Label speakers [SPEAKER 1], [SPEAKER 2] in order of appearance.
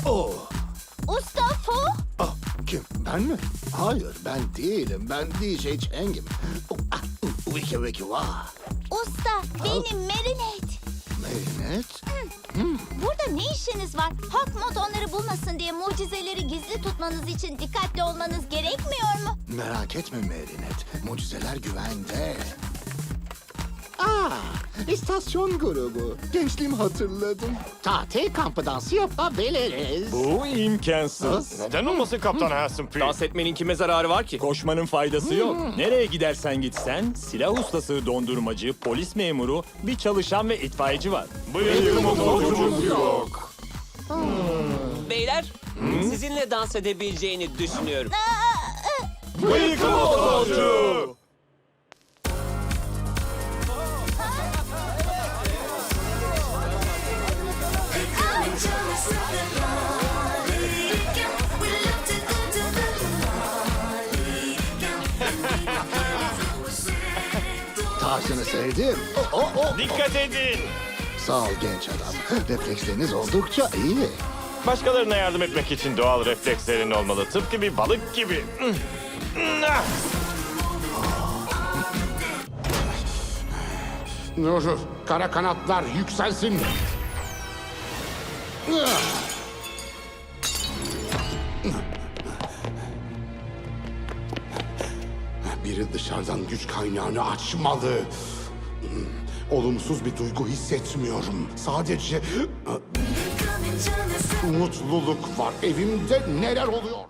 [SPEAKER 1] Oh.
[SPEAKER 2] Usta Fu?
[SPEAKER 1] Ah, kim? Ben mi? Hayır, ben değilim. Ben DJ Chang'im. Oh, ah, wiki wiki wah.
[SPEAKER 2] Usta, benim Marinette.
[SPEAKER 1] Marinette?
[SPEAKER 2] Burada ne işiniz var? Hawkmoth onları bulmasın diye mucizeleri gizli tutmanız için dikkatli olmanız gerekmiyor mu?
[SPEAKER 1] Merak etme Marinette. Mucizeler güvende. İstasyon grubu. Gençliğimi hatırladım. Tatil kampı dansı yapabiliriz.
[SPEAKER 3] Bu imkansız.
[SPEAKER 4] Neden olmasın Kaptan Hanson P?
[SPEAKER 5] Dans etmenin kime zararı var ki?
[SPEAKER 3] Koşmanın faydası yok. Nereye gidersen gitsen silah ustası, dondurmacı, polis memuru, bir çalışan ve itfaiyeci var.
[SPEAKER 4] Bıyık motorcumuz yok.
[SPEAKER 5] Beyler, sizinle dans edebileceğini düşünüyorum.
[SPEAKER 4] Bıyık motorcu!
[SPEAKER 1] Tarzını sevdim.
[SPEAKER 4] Dikkat edin!
[SPEAKER 1] Sağ ol genç adam. Refleksleriniz oldukça iyi.
[SPEAKER 4] Başkalarına yardım etmek için doğal reflekslerin olmalı. Tıpkı bir balık gibi.
[SPEAKER 6] Dur, kara kanatlar yükselsin. Biri dışarıdan güç kaynağını açmalı. Olumsuz bir duygu hissetmiyorum. Sadece mutluluk var. Evimde neler oluyor?